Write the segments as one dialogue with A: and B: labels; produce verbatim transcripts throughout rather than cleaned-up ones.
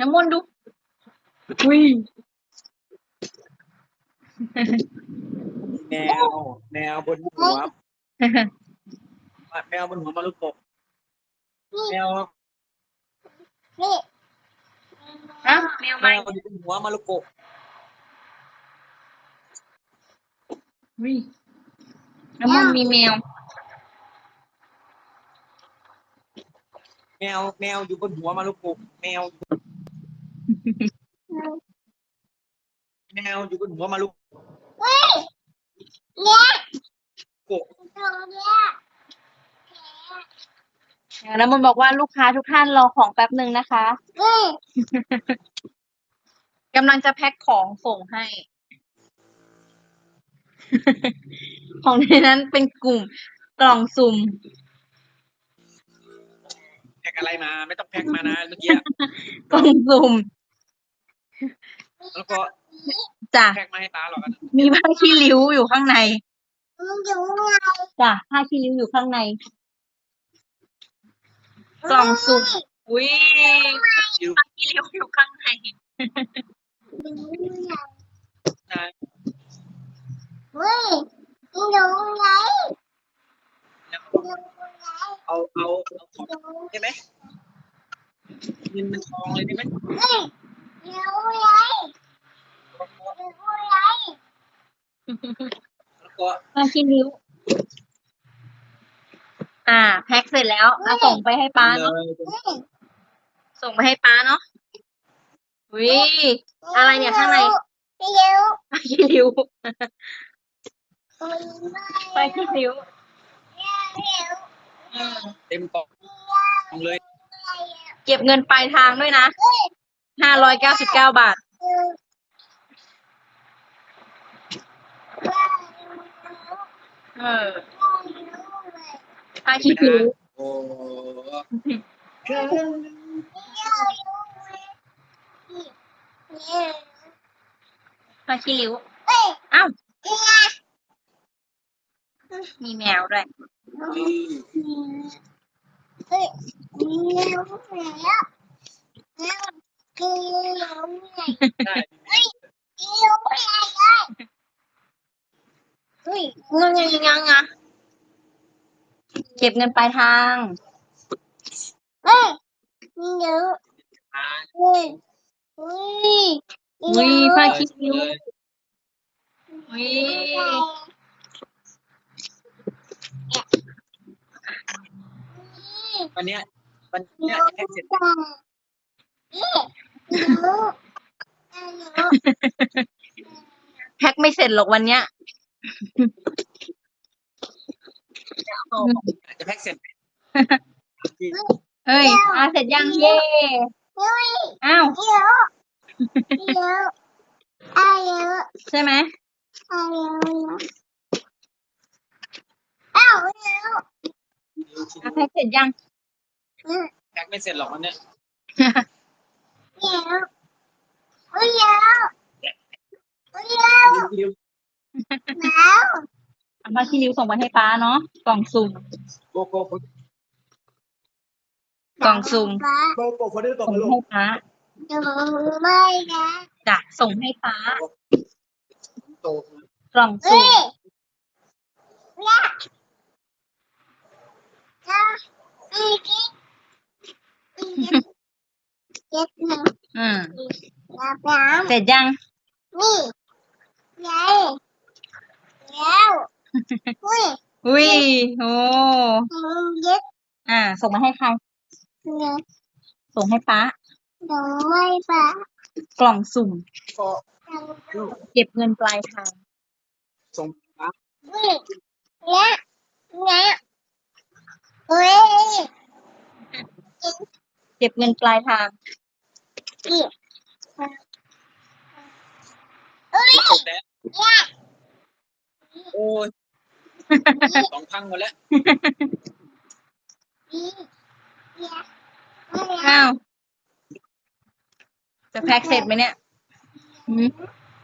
A: น้ำมนต์ดูอุ้ย
B: แมวแมวบนหัวแมวบนหัวมารุโกะแมว
A: อ่ะแมว
B: แม
A: ใหม่
B: วอยู่บนหัวมารุโกะ
A: อุ้ยน้ำมนต์มีแมว
B: แมวแมวอยู่บนหัวมารุโกะแมวแมวอยู่บนหัวมารุโกะ
A: น้ำมนต์บอกว่าลูกค้าทุกท่านรอของแป๊บหนึ่งนะคะกำลังจะแพ็คของส่งให้ ของในนั้นเป็นกลุ่มกล่องสุ่ม
B: แพ็กอะไรมาไม่ต้องแพ็กมานะเมื่อกี้
A: กล่องสุ่ม
B: แล้วก็
A: จ้ะ
B: แพ็กมาให้ตาหรอกนะ
A: มีผ้าขี้ริ้วอยู่ข้างในจ้ะผ้าขี้ริ้วอยู่ข้างใน กล่องสุ่มอุ้ย
B: อยู่
A: ผ้าขี้ริ้วอยู่ข้างใน
B: นะ เอาเอาเอาของได้ไหมเงินมันทองเลยได้ไหมแล้วก็
A: ผ้าขี้ริ้ว อ่า แพ็คเสร็จแล้วเอาส่งไปให้ป้า
B: เล
A: เนาะ
B: ย
A: ส่งไปให้ป้าเนาะอุ้ยอะไรเนี่ยข้างในผ้าขี้ริ้วผ้าขี้ริ้วอืม
B: เต็มกล่องเลย
A: เก็บเงินปลายทางด้วยนะห้าร้อยเก้าสิบเก้าบาท เออผ้าขี้ริ้ว
B: โอ้
A: ผ้าขี้ริ้วอ้าวมีแมวด้วย
B: ได้
A: งังงังงังอะเก็บเงินปลายทาง
B: อ่า
A: อุ้ยผ้าขี้ริ้ว
B: เลย
A: อุ้ย
B: วันเนี้ยวันเนี้ยแพ็กเสร็จ
A: แพ็คไม่เสร็จหรอกวันเนี้ย
B: จะแพ็กเสร็จ
A: เฮ้ยอาเสร็จยังเย่อ้าวใช่ไหมอาแพ็คเสร็จยัง
B: แพ็กไม่เสร็จหรอกวันเนี้ย ริ้ว
A: เอาผ้าขี้ริ้วส่งไปให้ป้าเนาะกล่องสุ่ม
B: โกโก้
A: กล่องสุ่ม
B: โกโก้คนนี้ตก
A: ส่ง
B: มาลู
A: ให้
B: ก
A: ป้าจ้ะส่งให้ป้า
B: โต
A: กล่องสุ่มอืมเสร็จยังอุ้ยโอ้อ่า ส่งมาให้ใครส่งให้ป้ากล่องสุ่ม
B: ก็
A: เก็บเงินปลายทาง
B: ส่งมา
A: เก็บเงินปลายทาง
B: ตกแล้วโอ้ยสองพังหมดแล้ว
A: อ้าวจะแพ็คเสร็จไหมเนี่ยหืม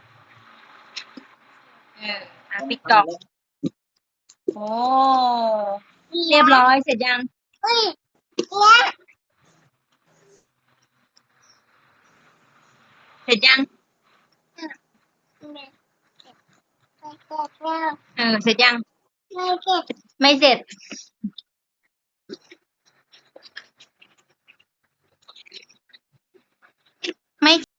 A: เอออ่ะปิดกล่องโอ้เรียบร้อยเสร็จยังเสร็จยัง เออ เสร็จยัง ไม่เสร็จ ไม่